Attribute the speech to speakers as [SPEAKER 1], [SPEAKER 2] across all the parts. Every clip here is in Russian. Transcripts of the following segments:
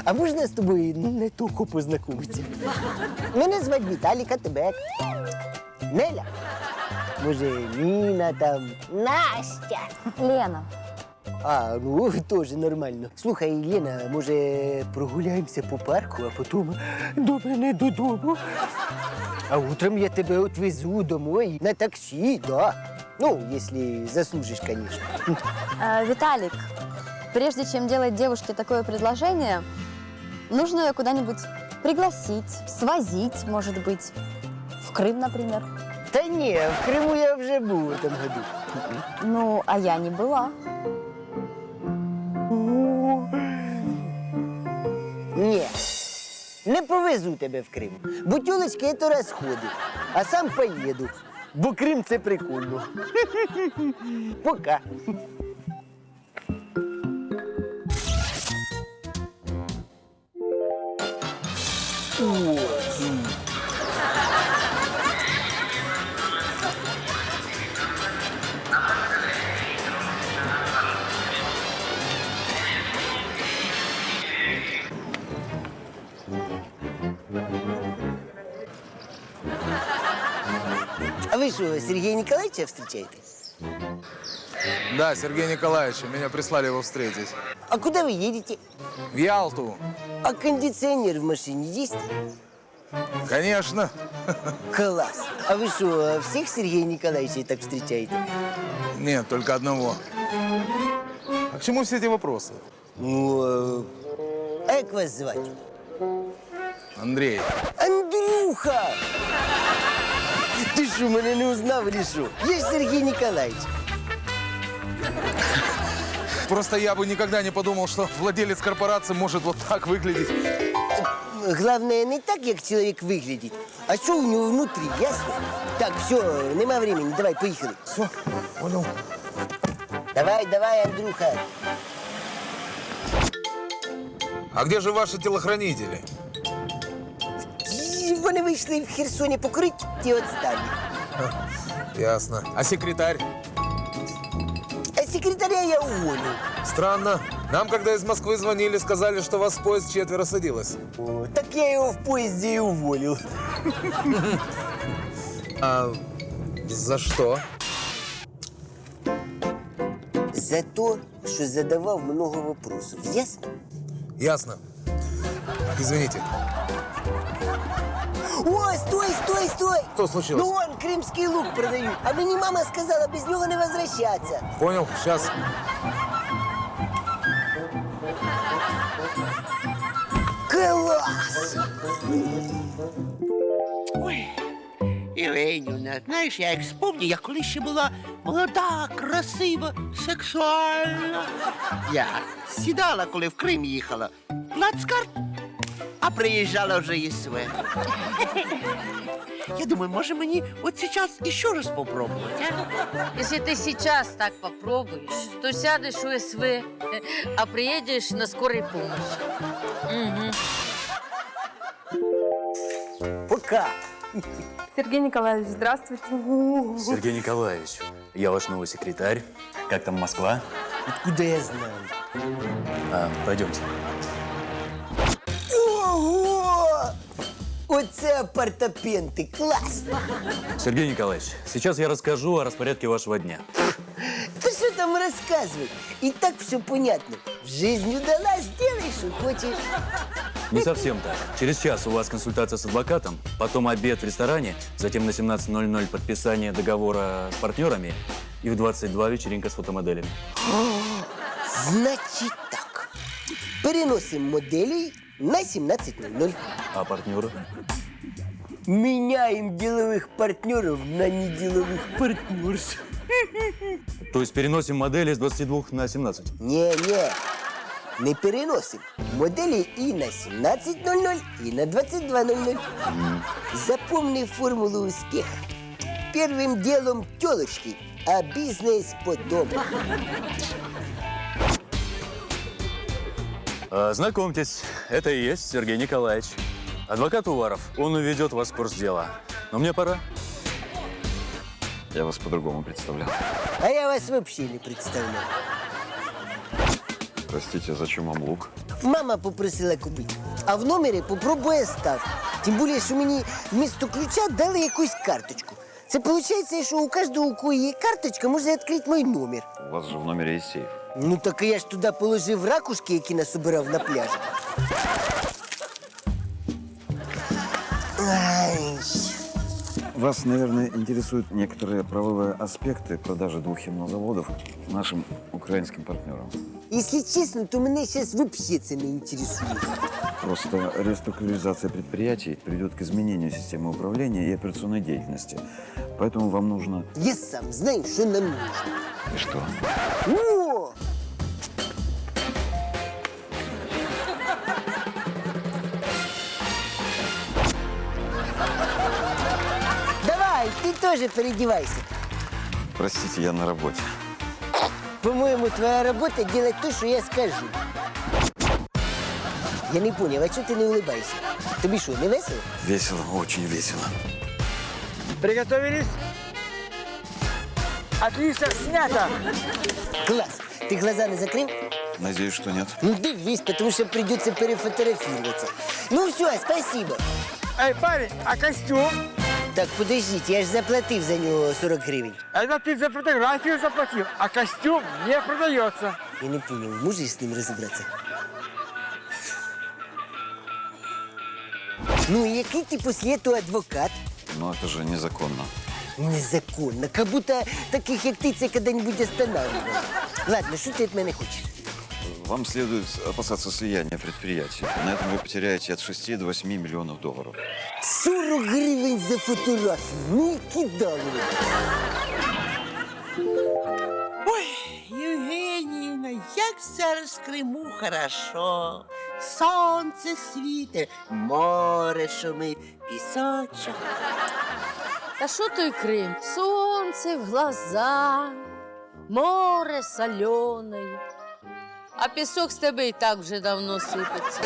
[SPEAKER 1] А можна з тобою не тільки познайомитися? Мене звати Віталік, а тебе як? Неля? Може, Ніна там? Настя?
[SPEAKER 2] Лена.
[SPEAKER 1] А, ну, теж нормально. Слухай, Лена, може, прогуляємося по парку, а потім до мене додому? А утром я тебе отвезу домой на таксі, да. Ну, если заслужишь, конечно.
[SPEAKER 2] Виталик, прежде чем делать девушке такое предложение, нужно ее куда-нибудь пригласить, свозить, может быть, в Крым, например.
[SPEAKER 1] Да не, в Крыму я уже был в этом году.
[SPEAKER 2] Ну, а я не была.
[SPEAKER 1] Ні, не повезу тебе в Крим. Бо тюлечки – це розходи. А сам поїду. Бо Крим – це прикольно. Пока. А вы что, Сергея Николаевича встречаете?
[SPEAKER 3] Да, Сергей Николаевич, меня прислали его встретить.
[SPEAKER 1] А куда вы едете?
[SPEAKER 3] В Ялту.
[SPEAKER 1] А кондиционер в машине есть?
[SPEAKER 3] Конечно.
[SPEAKER 1] Класс. А вы что, всех Сергея Николаевича так встречаете?
[SPEAKER 3] Нет, только одного. А к чему все эти вопросы?
[SPEAKER 1] Ну, а как вас звать?
[SPEAKER 3] Андрей.
[SPEAKER 1] Андрюха! Ты что, меня не узнал или что? Я ж Сергей Николаевич.
[SPEAKER 3] Просто я бы никогда не подумал, что владелец корпорации может вот так выглядеть.
[SPEAKER 1] Главное, не так, как человек выглядит, а что у него внутри, ясно? Так, все, нема времени, давай, поехали.
[SPEAKER 3] Все, понял.
[SPEAKER 1] Давай, давай, Андрюха.
[SPEAKER 3] А где же ваши телохранители?
[SPEAKER 1] Вони вийшли в Херсоні покурити і відстали.
[SPEAKER 3] Ясно. А секретарь?
[SPEAKER 1] А секретаря я уволил.
[SPEAKER 3] Странно. Нам, когда из Москвы звонили, сказали, что вас в поезд 4 садилось.
[SPEAKER 1] О, так я его в поезде и уволил.
[SPEAKER 3] А за что?
[SPEAKER 1] За то, что задавал много вопросов. Ясно?
[SPEAKER 3] Ясно. Извините.
[SPEAKER 1] Ой, стой, стой, стой!
[SPEAKER 3] Что случилось?
[SPEAKER 1] Ну вон, крымский лук продают. А мені мама сказала, без него не возвращаться.
[SPEAKER 3] Понял, сейчас.
[SPEAKER 1] Класс!
[SPEAKER 4] Ой, Євгенівна, знаєш, я як спомню, я коли ще була молода, красива, сексуальна. Я сідала, коли в Крим їхала, плацкарт, а приїжджала вже ЄСВ. Я думаю, може мені от сейчас еще раз попробовать, а?
[SPEAKER 5] Если ты сейчас так попробуешь, то сядешь у СВ, а приедешь на скорой помощи. Угу.
[SPEAKER 1] Пока.
[SPEAKER 2] Сергей Николаевич, здравствуйте.
[SPEAKER 6] Сергей Николаевич, я ваш новый секретарь. Как там Москва?
[SPEAKER 1] Откуда я знаю?
[SPEAKER 6] Пойдемте.
[SPEAKER 1] Ого! Оце апартаменти, клас!
[SPEAKER 6] Сергей Николаевич, сейчас я расскажу о распорядке вашего дня.
[SPEAKER 1] Да что там рассказывать? И так все понятно. В жизнь удалась, делай, что хочешь.
[SPEAKER 6] Не совсем так. Через час у вас консультация с адвокатом, потом обед в ресторане, затем на 17:00 подписание договора с партнерами и в 22 вечеринка с фотомоделями.
[SPEAKER 1] Значит так. Переносим моделей на 17:00.
[SPEAKER 6] А партнеры?
[SPEAKER 1] Меняем деловых партнеров на неделовых партнерш.
[SPEAKER 6] То есть переносим модели с 22 на 17?
[SPEAKER 1] Не-не, не переносим. Модели и на 17:00, и на 22:00. Запомни формулу успеха. Первым делом тёлочки, а бизнес потом.
[SPEAKER 6] Знакомьтесь, это и есть Сергей Николаевич. Адвокат Уваров. Он уведет вас в курс дела. Но мне пора.
[SPEAKER 7] Я вас по-другому представлял.
[SPEAKER 1] А я вас вообще не представляю.
[SPEAKER 7] Простите, зачем вам лук?
[SPEAKER 1] Мама попросила купити. А в номері попробуй остав. Тим більше, що мені вмісто ключа дали якусь карточку. Це виходить, що у кожного, у кого є карточка, може відкрити мій номер.
[SPEAKER 7] У вас же в номере есть сейф.
[SPEAKER 1] Ну так я ж туди положив ракушки, які насобирав на пляжі. Ай.
[SPEAKER 7] Вас, наверное, интересуют некоторые правовые аспекты продажи 2 химнозаводов нашим украинским партнерам.
[SPEAKER 1] Якщо чесно, то мене зараз взагалі це не інтересує.
[SPEAKER 7] Просто реструктуризация предприятий приведет к изменению системы управления и операционной деятельности. Поэтому вам нужно...
[SPEAKER 1] Я сам знаю, що нам нужно.
[SPEAKER 7] И что?
[SPEAKER 1] О! Давай, ти теж переодевайся.
[SPEAKER 7] Простите, я на работе.
[SPEAKER 1] По-моему, твоя работа делать то, что я скажу. Я не понял, а чого ти не улыбаешься? Тобі що, не весело?
[SPEAKER 7] Весело, очень весело.
[SPEAKER 8] Приготовились? Отлично, снято!
[SPEAKER 1] Класс. Ты глаза не закрыл?
[SPEAKER 7] Надеюсь, что нет.
[SPEAKER 1] Ну, дивись, потому что придется перефотографироваться. Ну, все, спасибо.
[SPEAKER 8] Эй, парень, а костюм?
[SPEAKER 1] Так, подождите, я же заплатил за него 40 гривен.
[SPEAKER 8] Это ты за фотографию заплатил, а костюм не продается.
[SPEAKER 1] Я не понял, можешь с ним разобраться? Ну, и який ты после этого адвокат?
[SPEAKER 7] Но это же незаконно.
[SPEAKER 1] Незаконно. Как будто таких, як ти, це когда-нибудь останавливал. Ладно, что ты от меня хочешь?
[SPEAKER 7] Вам следует опасаться слияния предприятий. На этом вы потеряете от 6 до 8 миллионов долларов.
[SPEAKER 1] 40 гривень за фотографію. Ну і кидали.
[SPEAKER 4] Ой, Євгенівна, як зараз в Криму хорошо. Сонце світить, море шумить, пісочок.
[SPEAKER 5] Та що той Крим? Сонце в глаза, море соленое. А пісок з тебе і так вже давно сипеться.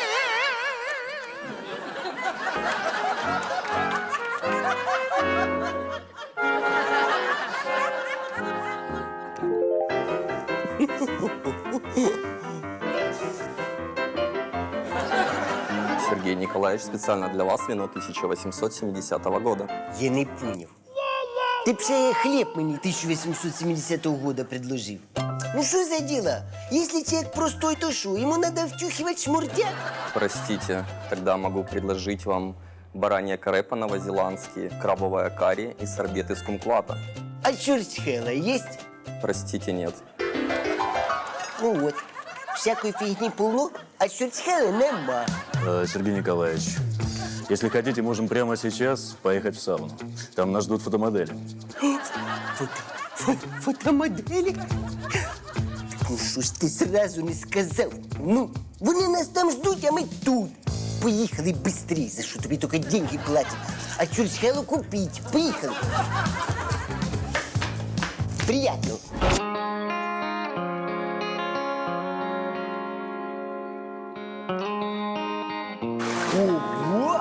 [SPEAKER 9] Сергей Николаевич, специально для вас вино 1870 года.
[SPEAKER 1] Я не понял. Ти б ще хліб мені 1870 года предложив. Ну що за діло? Якщо чоловік простой, то що? Йому треба втюхивать шмурдяк?
[SPEAKER 9] Простите, тогда могу предложить вам баранье каре по-новозеландски, крабовое карри и сорбет из кумквата.
[SPEAKER 1] А чурчхела есть?
[SPEAKER 9] Простите, нет.
[SPEAKER 1] Ну вот. Всякої фігні полно, а чурчхели нема.
[SPEAKER 6] Сергей Николаевич, если хотите, можем прямо сейчас поехать в сауну. Там нас ждут фотомодели.
[SPEAKER 1] Фотомоделі? Ну що ж ти зразу не сказав? Ну, вони нас там ждуть, а ми тут. Поїхали быстрее, за що тобі тільки деньги платять. А чурчхелу купить. Поїхали. Приятно. Ого!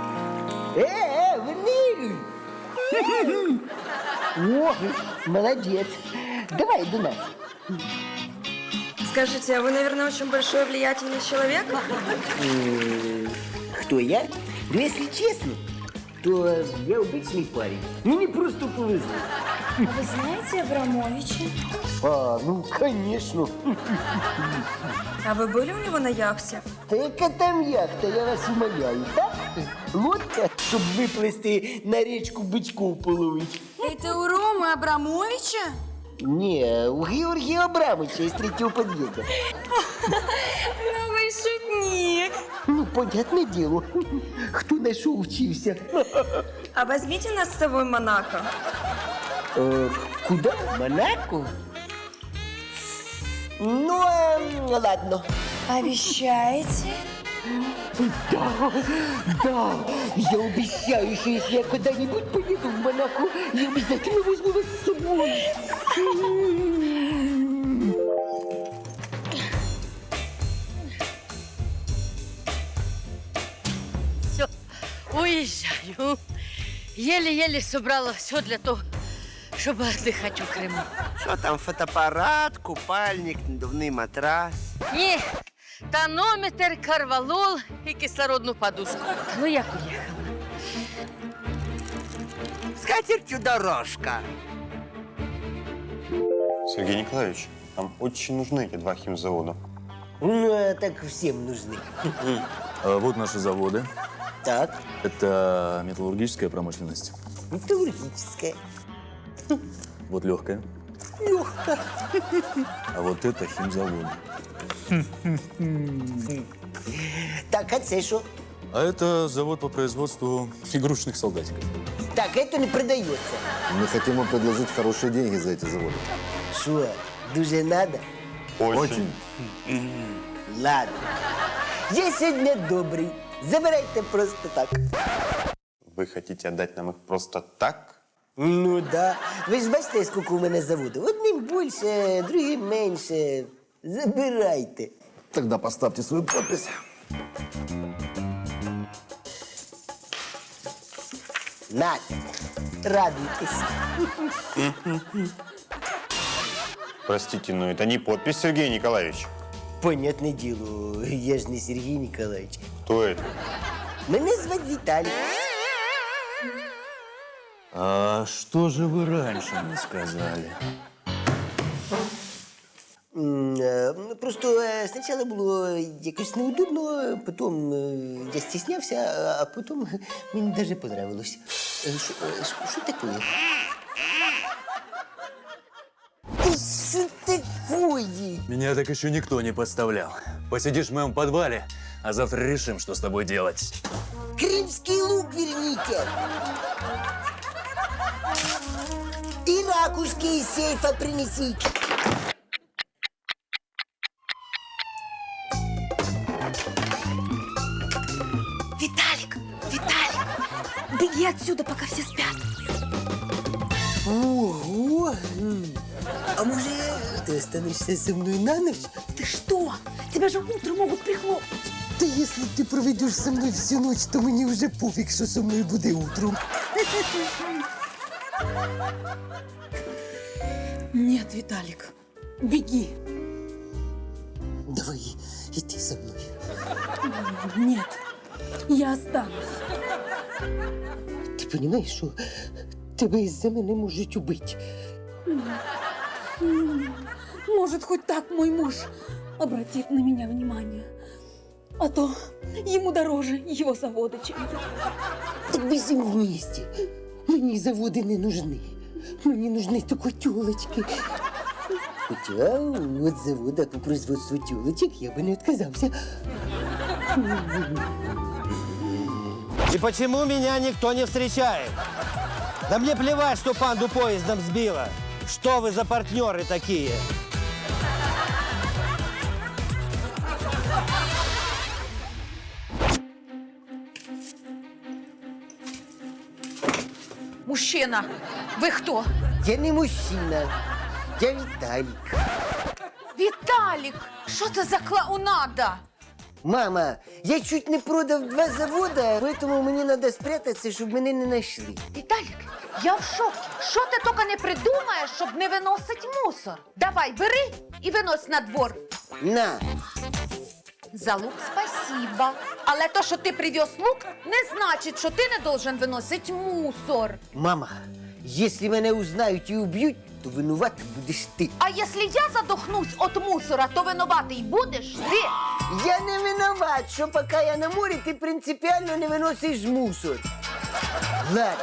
[SPEAKER 1] Ваниль! О, молодец. Давай до нас.
[SPEAKER 10] Скажите, а вы, наверное, очень большой влиятельный человек?
[SPEAKER 1] Кто я? Ну, если честно, то я обычный парень. Мне просто повезло.
[SPEAKER 10] А вы знаете Абрамовича?
[SPEAKER 1] А, ну, конечно.
[SPEAKER 10] А вы были у него на яхте?
[SPEAKER 1] Та яка там яхта, я вас умоляю, так? Лодка, щоб виплисти на річку бичков половить.
[SPEAKER 10] Это у Ромы Абрамовича?
[SPEAKER 1] Не, у Георгия Абрамовича из третьего подъезда.
[SPEAKER 10] Ну вы шутник.
[SPEAKER 1] Ну, понятное дело, кто на что учился.
[SPEAKER 10] А возьмите нас с собой в Монако.
[SPEAKER 1] Куда? В Монако? Ну, ладно.
[SPEAKER 10] Обещаете?
[SPEAKER 1] Да, я обещаю, что если я когда-нибудь поеду в Монако, я обязательно возьму вас с собой.
[SPEAKER 5] Все, уїжджаю. Єле-єле собрала все для того, щоб віддихати у Криму.
[SPEAKER 4] Що там, фотоапарат, купальник, надувний матрас?
[SPEAKER 5] Ні, тонометр, карвалол і кислородну подушку. Ну, як уїхала?
[SPEAKER 4] З катертю дорожка.
[SPEAKER 11] Сергей Николаевич, нам очень нужны эти 2 химзавода.
[SPEAKER 1] Ну, а так всем нужны.
[SPEAKER 6] Вот наши заводы.
[SPEAKER 1] Так,
[SPEAKER 6] Это металлургическая промышленность.
[SPEAKER 1] металлургическая.
[SPEAKER 6] Вот легкая.
[SPEAKER 1] Легко.
[SPEAKER 6] А вот это химзаводы.
[SPEAKER 1] Так, а це що?
[SPEAKER 6] А это завод по производству игрушечных солдатиков.
[SPEAKER 1] Так, это не продается.
[SPEAKER 7] Мы хотим вам предложить хорошие деньги за эти заводы.
[SPEAKER 1] Що, дуже надо?
[SPEAKER 11] Очень.
[SPEAKER 1] Ладно. Я сьогодні добрий. Забирайте просто так.
[SPEAKER 11] Вы хотите отдать нам их просто так?
[SPEAKER 1] Ну да. Ви ж бачите, скільки у мене заводів. Одним більше, другим менше. Забирайте.
[SPEAKER 7] Тогда поставьте свою подпись.
[SPEAKER 1] Нате. Радуйтесь.
[SPEAKER 11] Простите, но это не подпись, Сергей Николаевич.
[SPEAKER 1] Понятне діло, я ж не Сергій Ніколаївич.
[SPEAKER 11] Кто это?
[SPEAKER 1] Мене звати Віталій.
[SPEAKER 6] А что же вы раньше не сказали?
[SPEAKER 1] Просто спочатку було якось неудобно, потім я стіснявся, а потім мені навіть понравилось. Що таке? Ти що такое?
[SPEAKER 6] Меня так еще никто не подставлял. Посидишь в моем подвале, а завтра решим, что с тобой делать.
[SPEAKER 1] Кримський лук верните! І ракушки из сейфа принесите.
[SPEAKER 10] Виталик! Виталик! Беги отсюда, пока все спят.
[SPEAKER 1] Ого! А може, ти останешся зі мною на ніч?
[SPEAKER 10] Ты что? Тебя же утром могут прихлопнуть.
[SPEAKER 1] Та якщо ти проведеш зі мною всю ніч, то мені вже пофіг, що зі мною буде утром.
[SPEAKER 10] Нет, Виталик, беги.
[SPEAKER 1] Давай, іди зі мною.
[SPEAKER 10] Нет, я останусь.
[SPEAKER 1] Ти розумієш, що тебе із-за мене можуть убити?
[SPEAKER 10] Может, хоть так мой муж обратит на меня внимание. А то ему дороже его завода, чем я.
[SPEAKER 1] Так ми з ним вместе. Мені заводи не нужны. Мені нужны тільки тёлочки. Хоча от завода по производству тёлочек я бы не отказался.
[SPEAKER 12] И почему меня никто не встречает? Да мне плевать, что панду поездом сбила. Что вы за партнеры такие?
[SPEAKER 10] Мужчина, вы кто?
[SPEAKER 1] Я не мужчина, я Віталік.
[SPEAKER 10] Виталик, что это за клоунада?
[SPEAKER 1] Мама, я чуть не продав 2 завода, поэтому мені треба спрятатися, щоб мене не знайшли.
[SPEAKER 10] Виталик, я в шоке. Що ти тільки не придумаєш, щоб не виносить мусор? Давай, бери і винось на двор.
[SPEAKER 1] На,
[SPEAKER 10] За лук спасибо. Але то, що ти привез лук, не значить, що ти не должен виносити мусор.
[SPEAKER 1] мама, якщо мене узнають і уб'ють, то винувати будеш ти.
[SPEAKER 10] А якщо я задохнусь від мусора, то винуватий будеш ти.
[SPEAKER 1] Я не виноват, що поки я на морі, ти принципіально не виносиш мусор. Ладно.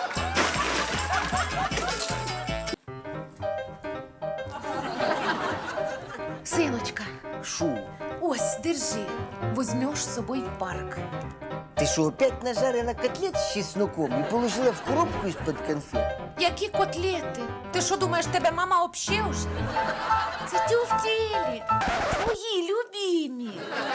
[SPEAKER 10] Синочка,
[SPEAKER 1] Шо?
[SPEAKER 10] ось, держи. Возьмеш з собою в парк.
[SPEAKER 1] Ти що, опять нажарила котлет з чесноком і положила в коробку із-під конфет?
[SPEAKER 10] Які котлети? Ти що думаєш, тебе мама вообще уже? Це тюфтєлі, твої любимі.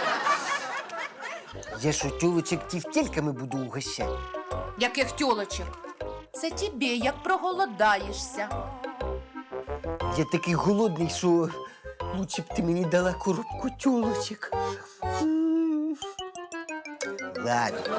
[SPEAKER 1] Я що, тюлочек тівтельками буду угощати?
[SPEAKER 10] Яких тюлочок? Це тобі, як проголодаєшся.
[SPEAKER 1] Я такий голодний, що лучше б ти мені дала коробку тюлочек. Ладно.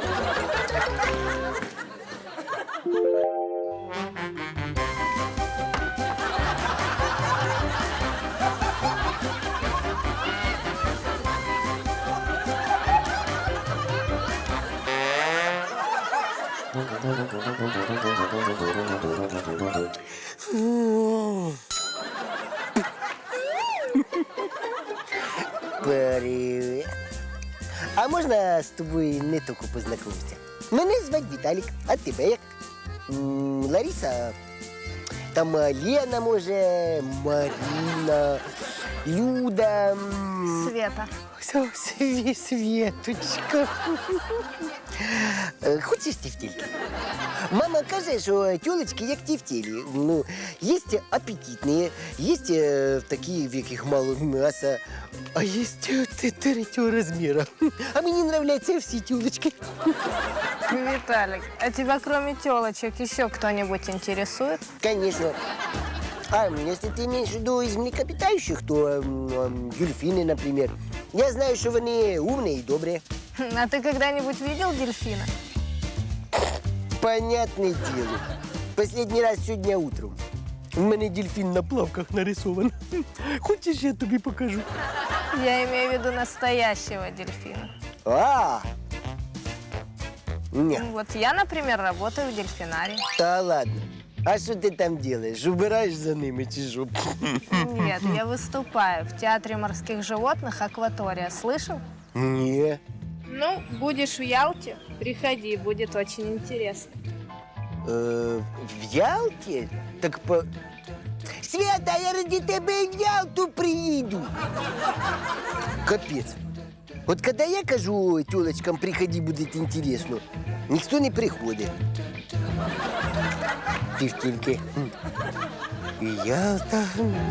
[SPEAKER 1] Привет. А можна з тобою не тільки познайомитися? Мене звати Віталік, а тебе як? Лариса? Там Лена, може, Марина, Люда.
[SPEAKER 2] Света.
[SPEAKER 1] Светочка. Хочеш тефтельки? Мама каже, що тілочки як тефтелі. Ну, є апетитні, є такі, в яких мало м'яса, а є третього розміру. А мені нравляться всі тілочки.
[SPEAKER 2] Виталик, а тебя кроме телочек еще кто-нибудь интересует?
[SPEAKER 1] Конечно. А если ты имеешь в виду из млекопитающих, то дельфины, например. Я знаю, что они умные и добрые.
[SPEAKER 2] А ты когда-нибудь видел дельфина?
[SPEAKER 1] Понятное дело. Последний раз сегодня утром. У меня дельфин на плавках нарисован. Хочешь, я тебе покажу?
[SPEAKER 2] Я имею в виду настоящего дельфина.
[SPEAKER 1] Нет.
[SPEAKER 2] Вот я, например, работаю в дельфинарии.
[SPEAKER 1] Да ладно. А что ты там делаешь? Убираешь за ними, чижу?
[SPEAKER 2] Нет, я выступаю в Театре морских животных «Акватория». Слышал?
[SPEAKER 1] Не.
[SPEAKER 2] Ну, будешь в Ялте, приходи, будет очень интересно.
[SPEAKER 1] В Ялте? Так по... Света, я ради тебя в Ялту приеду. Капец. Вот когда я кажу тёлочкам, приходи, будет интересно, никто не приходит. Тефтельки. И Ялта.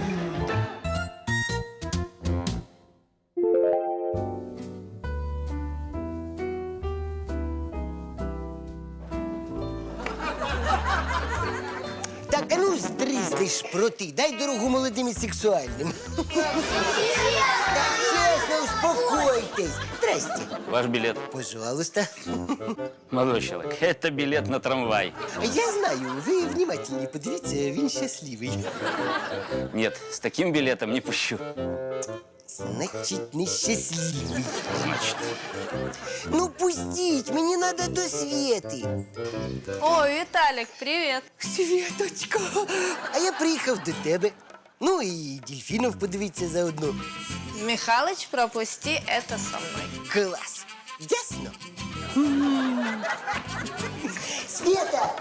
[SPEAKER 1] Так, а ну стрісни шпроти, дай дорогу молодим і сексуальним. Так, чесно, успокойтесь. Здрасте.
[SPEAKER 6] Ваш билет.
[SPEAKER 1] Пожалуйста.
[SPEAKER 6] Молодой человек, это билет на трамвай.
[SPEAKER 1] Я знаю, ви внимательні, подивіться, він щасливий.
[SPEAKER 6] Нет, с таким билетом не пущу.
[SPEAKER 1] Значить, нещасливий.
[SPEAKER 6] Значит.
[SPEAKER 1] Ну, пустіть, мені треба до Свети.
[SPEAKER 2] О, Виталик, привет.
[SPEAKER 1] Светочка, а я приїхав до тебе. Ну і дельфінів подивитися заодно.
[SPEAKER 2] Михалыч, пропусти это со мной.
[SPEAKER 1] Клас. Ясно? Света!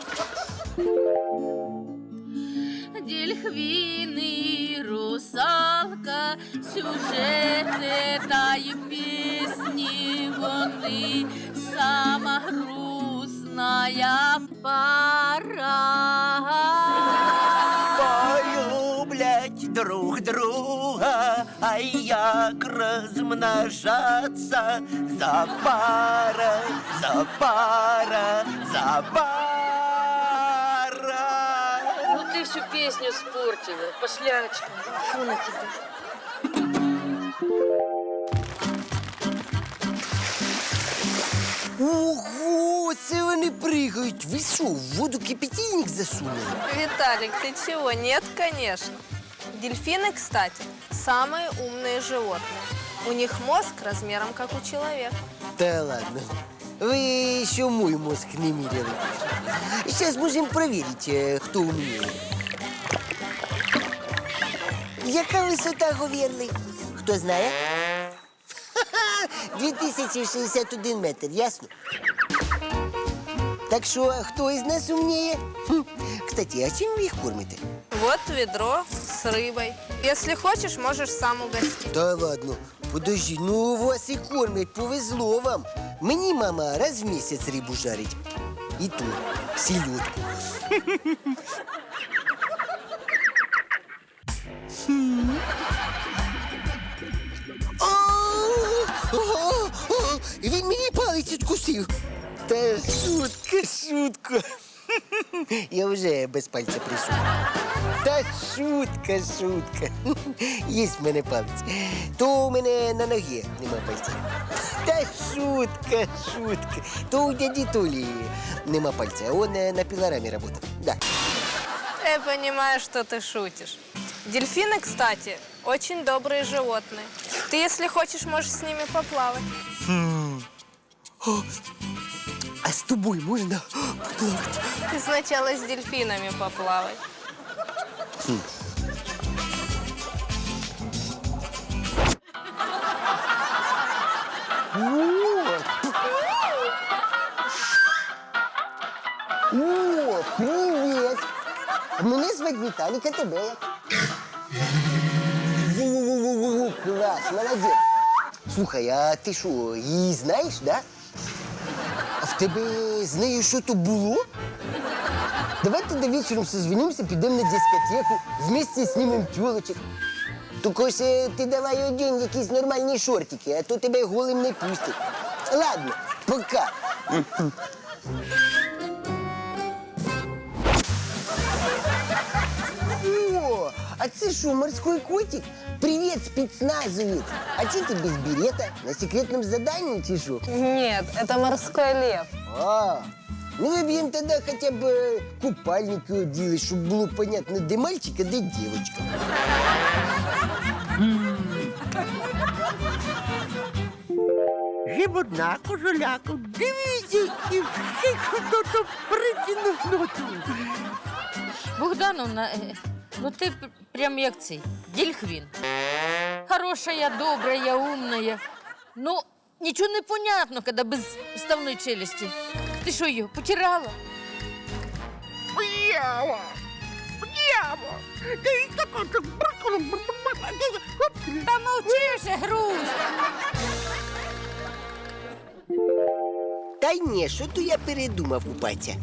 [SPEAKER 5] Дельфины, русалка, сюжети та й пісні вони, сама грустная пара.
[SPEAKER 4] Полюблять друг друга, а як розмножаться за пара, за пара, за пара.
[SPEAKER 5] Ну ты всю песню испортила, пошлячка. Фу на тебя.
[SPEAKER 1] Ого, це вони пригають. Ви що, в воду кипятильник засунули?
[SPEAKER 2] Виталик, ты чего? Нет, конечно. Дельфины, кстати, самые умные животные. У них мозг размером, как у человека.
[SPEAKER 1] Та ладно. Ви ще мой мозг не міряли. Зараз можемо перевірити, хто умніє. Яка висота говірли? Хто знає? 2061 метр, ясно? Так що, хто із нас умніє? Кстати, а чим ви їх кормите?
[SPEAKER 2] Вот ведро с рыбой. Если хочешь, можешь сам угостить.
[SPEAKER 1] Та ладно, подожди, ну вас і кормять, повезло вам. Мені мама раз в місяць рибу жарить. І то селедку. Він мені палець відкусив. Та шутка. Я вже без пальця прийшов. Та шутка. Є в мене палець. То у мене на ногі нема пальця. Та шутка. То у дяді Толі нема пальця, а он на пилораме работал. Да.
[SPEAKER 2] Я понимаю, что ты шутишь. Дельфины, кстати, очень добрые животные. Ты, если хочешь, можешь с ними поплавать.
[SPEAKER 1] А А з тобою можна поплавати?
[SPEAKER 5] Ты сначала с дельфинами поплавай.
[SPEAKER 1] О, привіт! Мене звати Віталік, а тебе як? Во-во-во-во-во, клас, молодець. Слухай, а ти що, її знаєш, да? А в тебе з нею що-то було? Давай тоді вечором созвонимося, підемо на дискотеку, вместе знімемо тілочок. Тільки ж ти давай одінь якісь нормальні шортики, а то тебе голим не пустять. Ладно, пока. О, а це що, морской котик? Привет, спецназовец. А че ты без берета? На секретном задании чи шо?
[SPEAKER 5] Нет, это морской лев.
[SPEAKER 1] А, ну выбьем тогда хотя бы купальники одели, чтобы было понятно, где мальчик, а где девочка.
[SPEAKER 4] Жив одна кожуляку, дивіться, і всіх хто-то притягнув ноту.
[SPEAKER 5] Богдановна, ну ти прям як цей, дельфін. Хорошая, добрая, умная. Ну, ничего не понятно, когда без вставной челюсти. Ты что, ее потирала?
[SPEAKER 4] Б'ява! Б'ява! Ти така...
[SPEAKER 5] Да молчи вже, груз.
[SPEAKER 1] Та ні, що то я передумав купатися.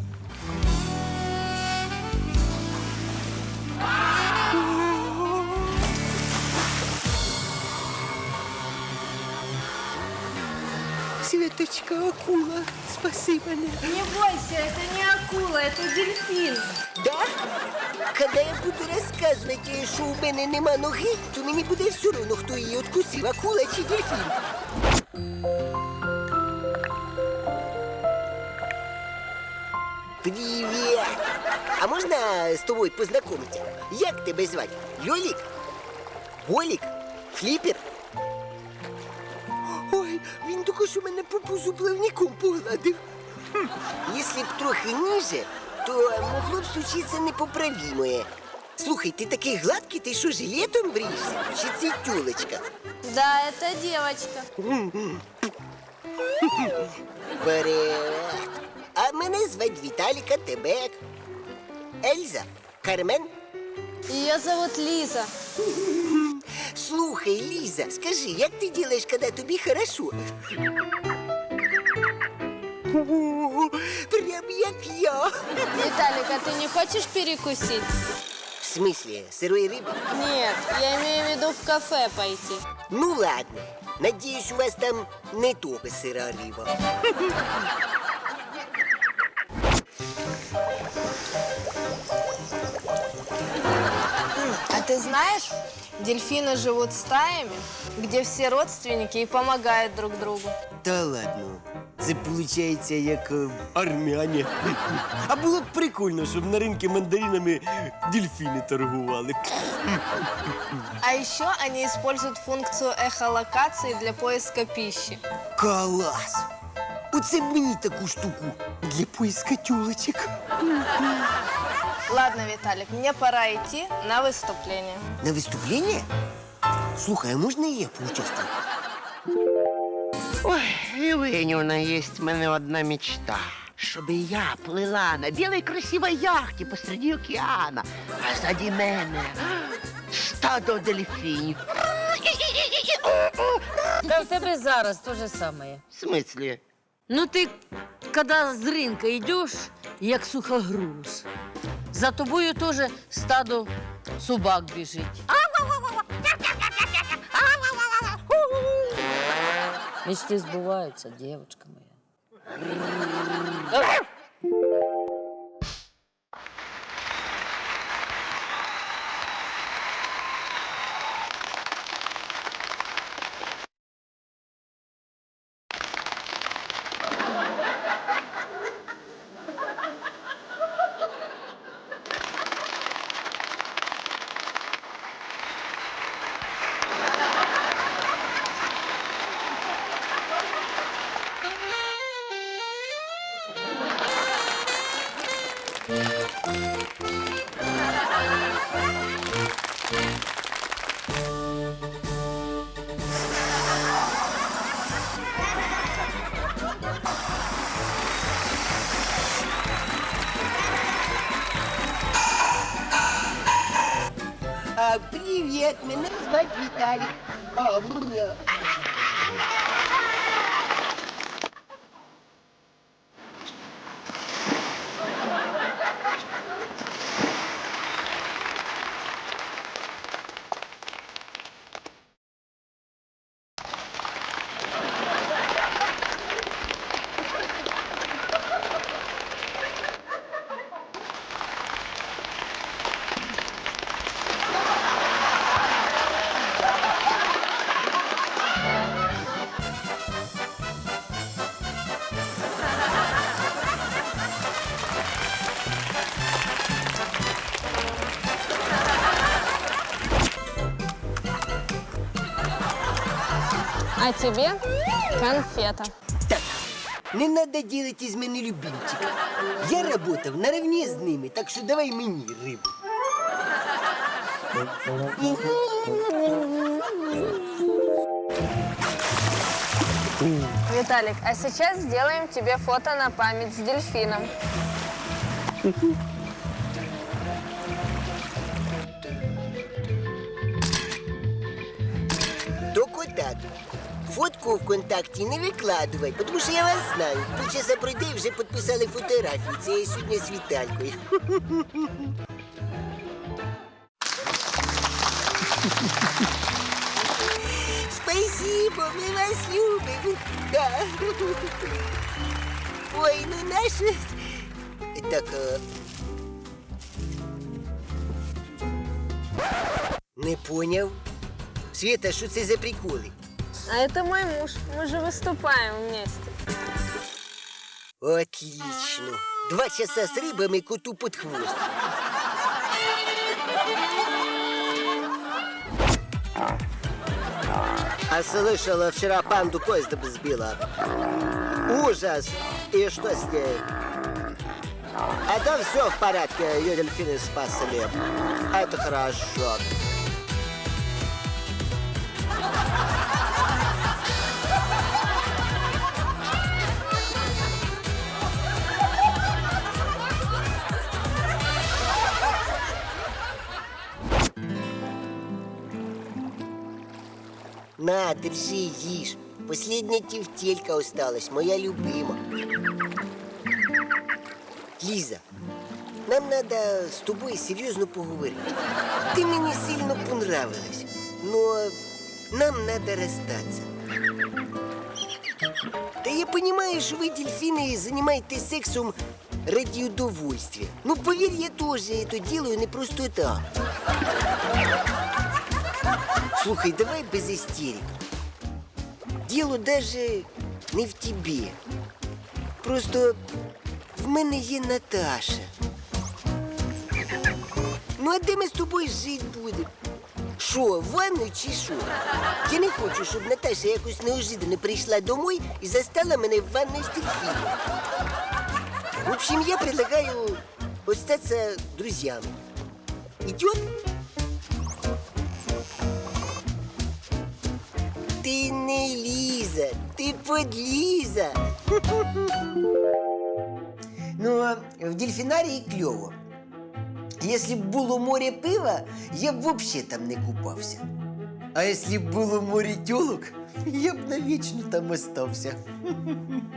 [SPEAKER 1] Светочка, акула, спаси мене.
[SPEAKER 5] Не бойся, это не акула, это дельфин.
[SPEAKER 1] Да? Коли я буду розказувати, що у мене нема ноги, то мені буде все одно, хто її откусив, акула чи дельфін. Привіт! А можна з тобою познайомитися? Як тебе звати? Льолік? Болік? Фліпер? Ой, він тільки що мене по пузу плавником погладив. Якщо б трохи ніже, то могло б случитися непоправимое. Слухай, ти такий гладкий, ти що, жилетом бриєшся? Чи це тюлечка?
[SPEAKER 5] Да, это девочка.
[SPEAKER 1] Привет. А мене звать Віталіка, тебе як? Ельза? Кармен?
[SPEAKER 5] Ее зовут Лиза.
[SPEAKER 1] Слухай, Ліза, скажи, як ти робиш, коли тобі хорошо? О, прям як я.
[SPEAKER 5] Виталик, а ты не хочешь перекусить?
[SPEAKER 1] В смысле, сырой рыбы?
[SPEAKER 5] Нет, я имею в виду в кафе пойти.
[SPEAKER 1] Ну ладно, надеюсь, у вас там не только сыра рыба.
[SPEAKER 13] А ты знаешь, дельфины живут стаями, где все родственники и помогают друг другу.
[SPEAKER 1] Та ладно, це виходить як армяне. А було б прикольно, щоб на ринку мандаринами дельфіни торгували.
[SPEAKER 13] А еще они используют функцию эхолокации для поиска пищи.
[SPEAKER 1] Клас! Оце б мені таку штуку для поиска тюлочек.
[SPEAKER 13] Ладно, Виталик, мне пора идти на выступление.
[SPEAKER 1] На выступление? Слухай, а можна і я поучаствую?
[SPEAKER 4] Ой, Євгенівна, є в мене одна мечта. Щоб я плила на білій красивій яхті посреди океана, а ззаді мене стадо дельфінів.
[SPEAKER 5] Да в тебе зараз то же самое.
[SPEAKER 4] В смислі?
[SPEAKER 5] Ну ты, когда с рынка идешь, як сухогруз, за тобою тоже стадо собак бежит. Мечты сбываются, девочка моя.
[SPEAKER 1] Привет, меня зовут Виталик.
[SPEAKER 13] А тебе конфета.
[SPEAKER 1] Так, не надо делать из мене любимчика. Я работав наравне з ними, так що давай мені рибу.
[SPEAKER 13] Виталик, а сейчас сделаем тебе фото на память с дельфином.
[SPEAKER 1] Только так. Фотку ВКонтакті не викладувай, тому що я вас знаю. Полчаса пройде і вже підписали фотографію. Це я сьогодні з Віталькою. Спасибо, ми вас любимо. Да. Ой, ну наше... Так, не поняв. Света, що це за приколи?
[SPEAKER 13] А это мой муж. Мы же выступаем вместе.
[SPEAKER 1] Отлично. 2 часа с рыбами коту под хвост. А слышала, вчера панду поездом сбила. Ужас. И что с ней? А там все в порядке, ее дельфины спасли. Это хорошо. На, держи, ешь. Последняя тефтелька осталась, моя любима. Лиза, нам надо с тобой серьезно поговорить. Ты мне сильно понравилась, но нам надо расстаться. Да я понимаю, что вы, дельфины, занимаетесь сексом ради удовольствия. Ну, поверь, я тоже это делаю не просто так. Слухай, давай без истерик. Дело даже не в тебе. Просто в мене є Наташа. Ну, а де ми з тобою жити будемо? Що, в ванну чи що? Я не хочу, щоб Наташа якось неожиданно прийшла домой і застала мене в ванной з дельфином. В общем, я предлагаю остаться друзьями. Идет? Ти не Ліза, ти подліза. Ну, в дельфінарії кльово. Якщо б було море пива, я б взагалі там не купався. А якщо б було море тьолок, я б навічно там остався.